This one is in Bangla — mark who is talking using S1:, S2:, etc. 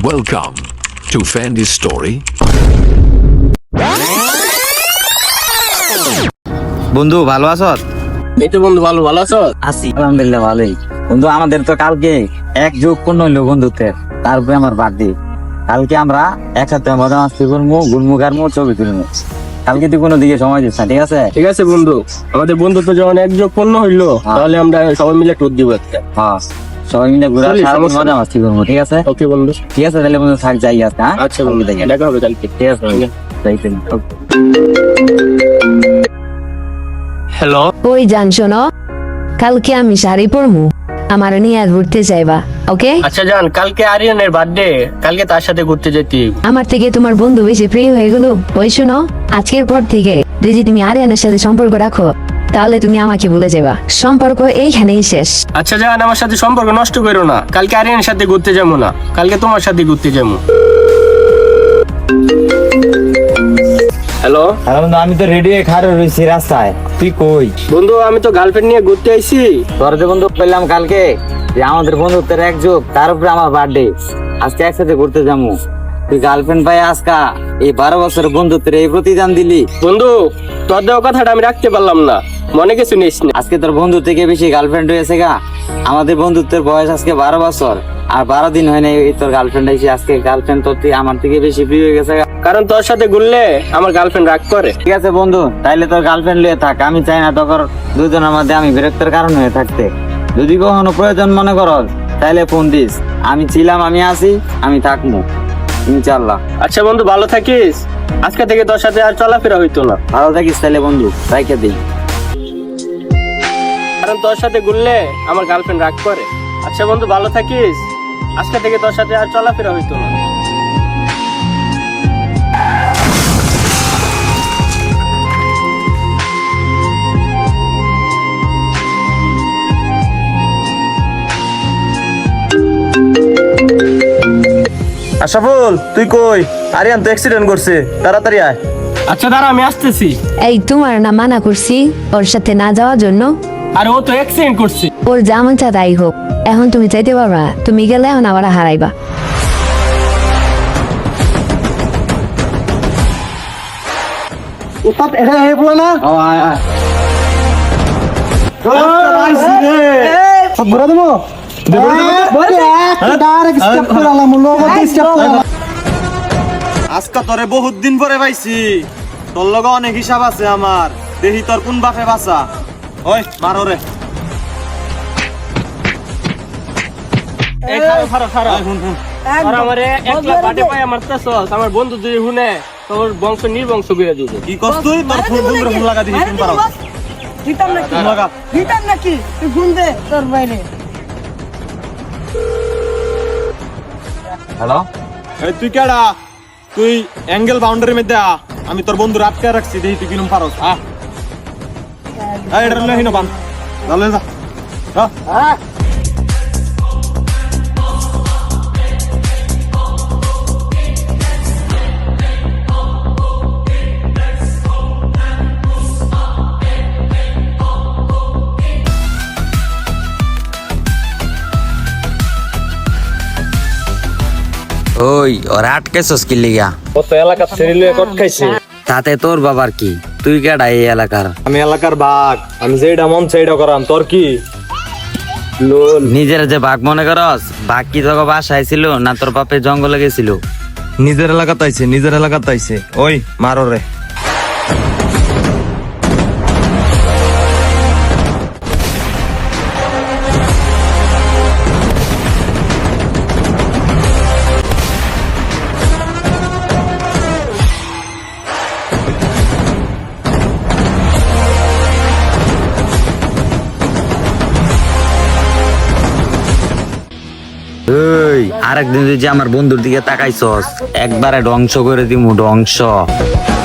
S1: Welcome to Fandy's Story.
S2: বন্ধু ভালো আছো?
S3: এই তো বন্ধু ভালো আছো?
S2: আছি আলহামদুলিল্লাহ ভালোই। বন্ধু আমাদের তো কালকে 1+15 হইলো বন্ধুত্বের, তারপরে আমার বার্থডে। কালকে আমরা একসাথে মজা মাস্তি করবো, গুলমু গারমু, ছবি তুলবো। কালকে তুই কোনো দিকে সময় দিস না, ঠিক আছে?
S3: ঠিক আছে বন্ধু, আমাদের বন্ধুত্ব যখন 1+15 হইলো তাহলে আমরা সবাই মিলে ট্যুর দিব একটা।
S2: হ্যাঁ সবাই মিলে ঘুরে মজা মাস্তি করবো, ঠিক আছে?
S3: ওকে বন্ধু,
S2: ঠিক আছে তাহলে বন্ধু থাক, যাই আজকে। হ্যাঁ
S3: আচ্ছা বন্ধু, দেখা হবে কালকে।
S2: ঠিক আছে যাইতে।
S3: হ্যালো,
S4: ওই জান শোনো, কালকে আমি শাড়ি পরমু, আমার নিয়ে ঘুরতে যাইবা, ওকে?
S3: আচ্ছা জান, কালকে আরিয়ানের বার্থডে, কালকে তার সাথে ঘুরতে যেতে।
S4: আমার থেকে তোমার বন্ধু বেশি প্রিয় হয়ে গেল। ওই শোনো, আজকের পর থেকে যদি তুমি আরিয়ানের সাথে সম্পর্ক রাখো তাহলে তুমি আমাকে ভুলে যাবা। সম্পর্ক এইখানেই শেষ।
S3: আচ্ছা জান, আমার সাথে সম্পর্ক নষ্ট করো না। কালকে আরিয়ানের সাথে ঘুরতে যাবো না, কালকে তোমার সাথে ঘুরতে যাবো। হ্যালো
S2: বন্ধু, আমি তো রেডি হয়ে খাড়া রয়েছি রাস্তায়, তুই কই?
S3: বন্ধু, আমি তো গার্লফ্রেন্ড নিয়ে ঘুরতে আইছি।
S2: তোর যে বন্ধু পেলাম কালকে, যে আমাদের বন্ধুত্বের এক যুগ, তার উপরে আমার বার্থডে, আজকে একসাথে ঘুরতে যাবো। তুই গার্লফ্রেন্ড পাই আজকা এই 12 বছরের বন্ধুত্বের এই প্রতিদান দিলি।
S3: বন্ধু, তোর দেওয়া কথাটা আমি রাখতে পারলাম না, মনে কিছু নিস না।
S2: আজকে তোর বন্ধু থেকে বেশি গার্লফ্রেন্ড হয়েছে গা। আমাদের বন্ধুত্বের বয়স আজকে 12 বছর, আর 12 দিন হয় না তোর গার্লফ্রেন্ড এসে। আজকে গার্লফ্রেন্ড তোর থেকে আমার থেকে বেশি প্রিয় হয়ে গেছে গা।
S3: কারণ তোর সাথে ঘুরলে আমার গার্লফ্রেন্ড রাগ করে।
S2: ঠিক আছে বন্ধু, তাইলে তোর গার্লফ্রেন্ড লিয়ে থাক, আমি চাই না তোর দুজনের মধ্যে আমি বিরক্তের কারণ হয়ে থাকতে। যদি কখনো প্রয়োজন মনে করো তাইলে ফোন দিস, আমি ছিলাম, আমি আছি, আমি থাকবো ইনশাল্লাহ।
S3: আচ্ছা বন্ধু, ভালো থাকিস। আজকে থেকে তোর সাথে আর চলাফেরা হইতো না।
S2: ভালো থাকিস তাইলে বন্ধু, রাইখে দিই।
S3: কারণ তোর সাথে ঘুরলে আমার গার্লফ্রেন্ড রাগ করে। আচ্ছা বন্ধু, ভালো থাকিস। আজকে থেকে তোর সাথে আর চলাফেরা হইতো না।
S5: আশাফুল, তুই কই? আরিয়ান তো অ্যাক্সিডেন্ট করছে, তাড়াতাড়ি আয়।
S3: আচ্ছা দাঁড়া, আমি আসতেছি।
S4: এই তোমার না মানা করছি ওর সাথে না যাওয়ার জন্য?
S3: আর ও তো অ্যাক্সিডেন্ট করছে।
S4: ওর যেমন চা তাই হোক, এখন তুমি চাইতে পারবা না। তুমি গেলে এখন আবার হারাইবা।
S5: আজকা তোরে বহুত দিন পরে পাইছি, তোর লগে অনেক হিসাব আছে আমার। দেখি তোর কোন বাপে বাঁচা। ওই মারো রে।
S3: এই খারো খারো খারো। আর আমারে একলা বাটে পায় মারতেছস। আমার বন্ধু যদি শুনে তোর বংশ নির্বংশ করে দিবে।
S5: কি করছ তুই? তোর ফোন বন্ধুরে ফোন লাগা দিবি, ফোন পারো।
S6: দিতাম নাকি?
S5: ফোন লাগা।
S6: দিতাম নাকি? তুই ফোন দে তোর বাইরে।
S2: হ্যালো,
S5: এই তুই কেডা? তুই অ্যাঙ্গেল বাউন্ডারির মধ্যে আ, আমি তোর বন্ধুর আটকে রাখছি। দেখি তুই কিরম পারস। এটা লহিনো বান, ভালো যা।
S2: ওই ওরা আটকেছস কি লিগা?
S3: ও তো এলাকা ছেড়ে কট খাইছে।
S2: তাতে তোর বাবার কি? তুই কেডা এই এলাকার?
S5: আমি এলাকার বাঘ, আমি যেটা মন সেইটা করাম। তোর কি?
S2: নিজের যে বাঘ মনে করস? বাঘ কি তোকে বাসায় ছিল না তোর বাপে জঙ্গলে গেছিল?
S5: নিজের এলাকাতে আইছে, নিজের এলাকাতে আইছে। ওই মারো রে।
S2: এই আরেকদিন যদি আমার বন্ধুর দিকে তাকাইছস একবারে ধ্বংস করে দিমু, ধ্বংস।